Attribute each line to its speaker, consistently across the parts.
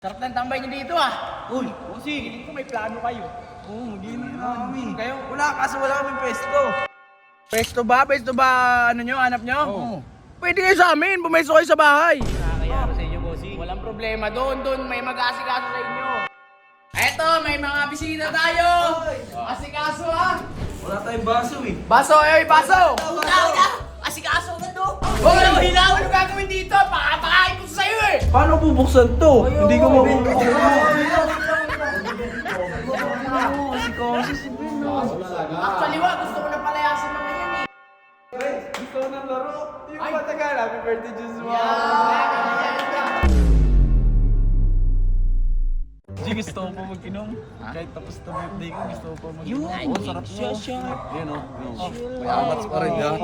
Speaker 1: Sarap ng tambay niyo dito ah.
Speaker 2: Uy,
Speaker 1: Bossing, hiling ko may plano kayo.
Speaker 2: oo, mag-inom na kami.
Speaker 1: Kayo?
Speaker 2: Wala, kaso wala kaming pwesto.
Speaker 1: Pwesto ba? Pwesto ba ano nyo? Hanap nyo?
Speaker 2: Oo.
Speaker 1: Pwede kayo sa amin. Pumesto kayo sa bahay.
Speaker 3: Nakakayaro sa inyo, bossing.
Speaker 1: Walang problema. Doon may mag-aasikaso sa inyo. Eto, may mga bisita tayo. Asikaso ah.
Speaker 2: Wala tayong baso eh.
Speaker 1: Baso, baso.
Speaker 3: Asikaso na to!
Speaker 1: Hoy, hilaw! Ano gagawin dito? Pakapakain ko sa'yo eh.
Speaker 2: Paano bubuksan to? Hindi ko mabubuksan.
Speaker 1: Actually, gusto ko na palayasin mga yan eh.
Speaker 2: Gusto ko ng laro. Yung matagal, happy birthday, Joshua. G, gusto ko pa mag-inom. Kahit tapos na birthday ko, gusto ko pa mag-inom. Oo, sarap mo. Yan o. May amats pa rin, ha?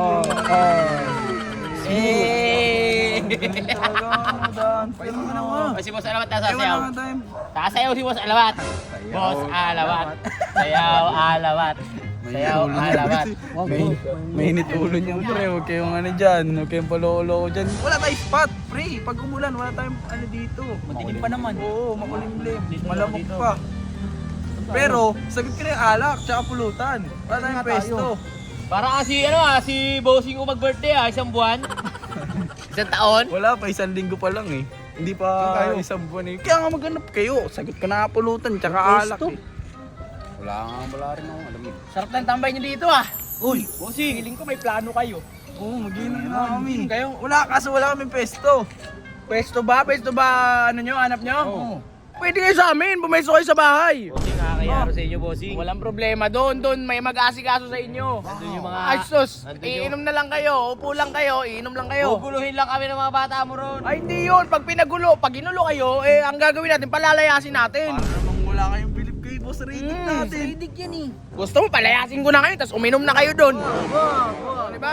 Speaker 2: Painom mo naman.
Speaker 3: Si Boss Alawat nasa
Speaker 2: Ewan
Speaker 3: sayaw.
Speaker 2: naman time.
Speaker 3: Nakasayaw si Boss Alawat. Boss Alawat. Sayaw Alawat. Sayaw Alawat.
Speaker 2: Mainit ulo niya, pre. Huwag kayong ano dyan. Huwag kayong palolo dyan. Wala tayong spot, pre. Pag umulan, wala tayong ano dito.
Speaker 3: Madilim pa naman.
Speaker 2: Oo, makulimlim.
Speaker 3: Dito,
Speaker 2: Malamok
Speaker 3: dito.
Speaker 2: pa. Pero, sagot ka na yung alak, tsaka pulutan. Wala tayong pwesto.
Speaker 3: Para kasi si Bossing ko mag-birthday isang buwan. Isang taon.
Speaker 2: Wala pa, isang linggo pa lang eh. Hindi pa isang buwan eh. Kaya nga maghanap kayo. Sagot ka na pulutan, tsaka alak eh. Wala rin akong alam eh.
Speaker 1: Sarap ng tambay niyo dito ah.
Speaker 2: Uy,
Speaker 1: Bossing, hiling ko may plano kayo.
Speaker 2: oo, mag-inom na kami.
Speaker 1: Kayo?
Speaker 2: Wala, kaso wala kaming pwesto.
Speaker 1: Pwesto ba? Pwesto ba ano nyo? Hanap nyo?
Speaker 2: Oo.
Speaker 1: Pwede kayo sa amin. Pumesto kayo sa bahay.
Speaker 3: Bossing, nakakayaro sa inyo, Bossing.
Speaker 1: Walang problema. Doon may mag-aasikaso sa inyo.
Speaker 3: Nandun yung mga...
Speaker 1: Ay, sus.
Speaker 3: nandun yung-
Speaker 1: Iinom na lang kayo. Upo lang kayo. Iinom lang kayo.
Speaker 3: Guguluhin lang kami ng mga bata mo ron.
Speaker 1: Ay, hindi yun. Pag pinagulo, pag ginulo kayo, ang gagawin natin, palalayasin natin.
Speaker 2: Para namang wala kayong bilib kay boss rating natin.
Speaker 1: Rating yan eh. Gusto mo, palayasin ko na kayo, tapos uminom na kayo doon. Diba?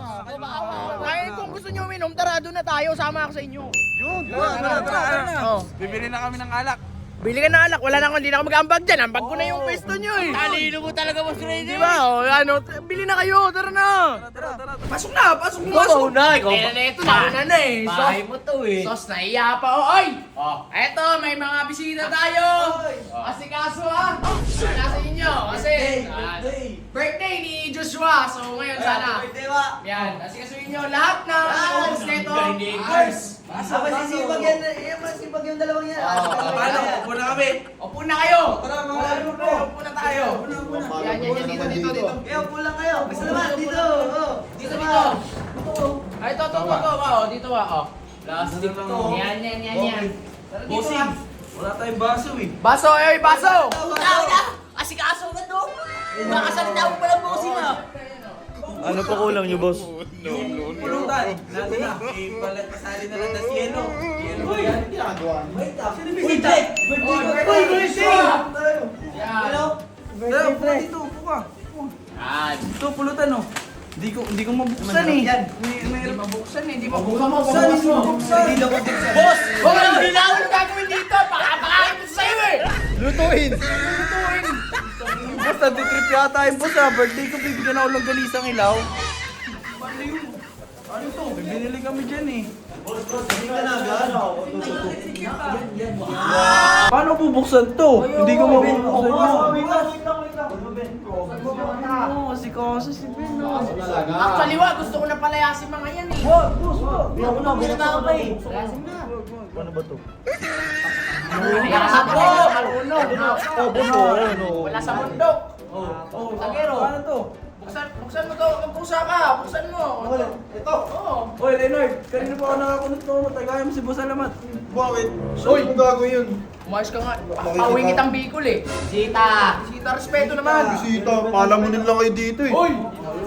Speaker 1: Kaya kung gusto nyo uminom, tara doon na tayo. Sama ako sa inyo.
Speaker 2: Yun, tara.
Speaker 1: Oh.
Speaker 2: Bibili na kami ng alak.
Speaker 1: Bili ka na alak. Wala na ako, hindi na ako mag-ambag dyan. Ambag ko na yung pwesto nyo eh.
Speaker 3: Talino mo talaga, Boss Ray.
Speaker 1: Diba? O, ano, bili na kayo. Tara na.
Speaker 2: Tara.
Speaker 1: Pasok na, pasok na.
Speaker 3: Ikaw na, ikaw
Speaker 1: Eh,
Speaker 3: pa.
Speaker 1: ito na na eh.
Speaker 3: Bahay mo to eh.
Speaker 1: Sos, naiya pa. Oy! Eto, may mga bisita tayo. Asikaso ah. Wala sa inyo. Kasi, birthday ni Joshua. So, ngayon sana. Yan, asikasuhin nyo lahat na host nito. Girls.
Speaker 4: Masisipag yan, masisipag yung dalawang yan.
Speaker 2: Paano? Upo na kami.
Speaker 1: Upo na kayo.
Speaker 2: Tara, mga ano po.
Speaker 1: Upo na tayo. Yan, dito.
Speaker 4: Kaya upo lang kayo. Basta naman, dito.
Speaker 1: Dito. Ay, ito. Dito ah. Plastic to. Yan. Tara dito
Speaker 2: Bossing,
Speaker 1: ah.
Speaker 2: wala tayong baso eh.
Speaker 1: Baso, baso.
Speaker 3: Asikaso na to. Makasalita mo pala, Bossing ah.
Speaker 2: Ano pa kulang niyo, boss? Pulutan. Natin na. Pasali na lang na si Yelo. Yan.
Speaker 4: Uy, Jack!
Speaker 1: Yan.
Speaker 2: Tara, upo ka dito. Upo ka.
Speaker 3: Yan.
Speaker 2: Ito, pulutan oh. Hindi ko mabuksan eh.
Speaker 1: Hindi mabuksan eh. Hindi
Speaker 2: Buksan
Speaker 1: mabuksan.
Speaker 2: Hindi daw mabuksan.
Speaker 1: Boss! Huwag ka lang hilaw! Ano gagawin dito? Pakapakain ko sa'yo eh!
Speaker 2: Lutuin. Boss, natitrip yata yung boss ah. Birthday ko, bibigyan ako ng galisang ilaw. Ano to? Binili kami dyan eh. Paano bubuksan to? Hindi ko mabubuksan yun. Oo, si Kosa si Ben.
Speaker 1: Actually, gusto ko na palayasin mga yan eh.
Speaker 2: Paano ba to?
Speaker 1: Palayasin ko! Wala sa mundo. Sagero.
Speaker 2: Paano to?
Speaker 1: Buksan mo to. Magpusa ka. Buksan mo. Ito. Oo.
Speaker 2: Oy, Leonard, kanina pa ako nakakunot to. Matagayan mo si Boss Alamat.
Speaker 5: Bakit? Saan mo gagawin yun?
Speaker 1: Umayos ka nga. Pawingit ang Bicol eh.
Speaker 3: Sita.
Speaker 1: Sita, respeto naman.
Speaker 5: Bisita, palamunin lang kayo dito eh.
Speaker 1: Hoy!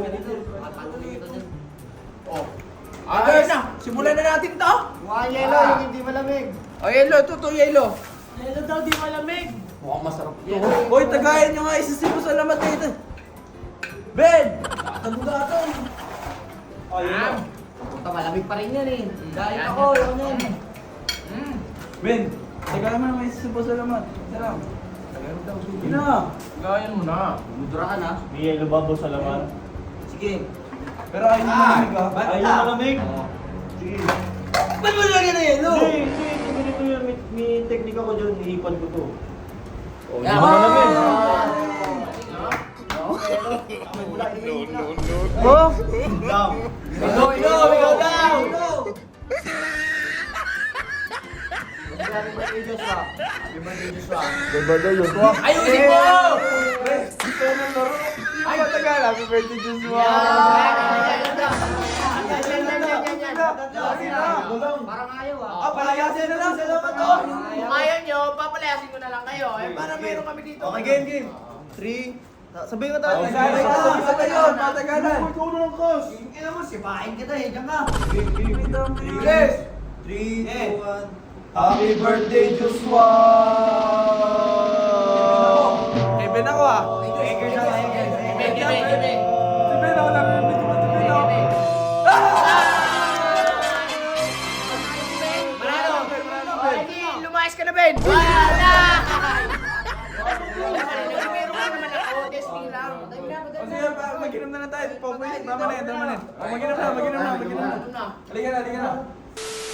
Speaker 1: Agad na. Simulan na natin to.
Speaker 4: Mga yelo, yung hindi malamig.
Speaker 1: O, yelo. Ito, yelo.
Speaker 4: Yelo daw, di malamig.
Speaker 2: Hoy, tagayan nyo nga. Isa si Boss Alamat dito. Ben! Nagugatan.
Speaker 4: Puta, malamig pa rin yan eh. Dahil ako, yun yan.
Speaker 2: Ben, tagayan mo naman isa si Boss Alamat. Sarap. Tagayan mo daw. Sige na.
Speaker 1: Gayan mo na.
Speaker 4: Mudrahan ha.
Speaker 6: May yelo ba, boss, alaman?
Speaker 4: Sige.
Speaker 2: Pero ayaw mo malamig ah.
Speaker 6: Ayaw malamig? Sige.
Speaker 4: Ba't mo lagyan na yelo?
Speaker 6: Hindi, ganito yun. May
Speaker 4: yung teknika ko dyan, ihipan ko to.
Speaker 1: Yeah,
Speaker 4: Oh!
Speaker 1: Ikaw daw! Ayusin mo!
Speaker 2: Ay, matagal. Happy birthday, Joshua!
Speaker 4: Parang ayaw ah.
Speaker 2: Ah, palayasin na lang. Salamat to.
Speaker 1: Kung ayaw nyo, papalayasin ko na lang kayo. Eh, para meron kami dito.
Speaker 5: Okay, game. 3. Sabihin ko tayo.
Speaker 2: Sabay yun, matagalan.
Speaker 5: Ikaw na lang, Kos.
Speaker 4: Ina mo, sipahin kita eh, diyan ka.
Speaker 2: Yes!
Speaker 5: 3, 2, 1. Happy birthday, Joshua!
Speaker 2: Kevin ako ah.
Speaker 1: Give me.
Speaker 2: Kevin ako lang. Kevin ako.
Speaker 1: Manalo! Hindi, lumayas ka na, Ben! Wala! Meron ka naman ako, testing lang.
Speaker 2: O sige, mag-inom na tayo. Tama na yan. Mag-inom na.
Speaker 1: Ano na?
Speaker 2: Halika na.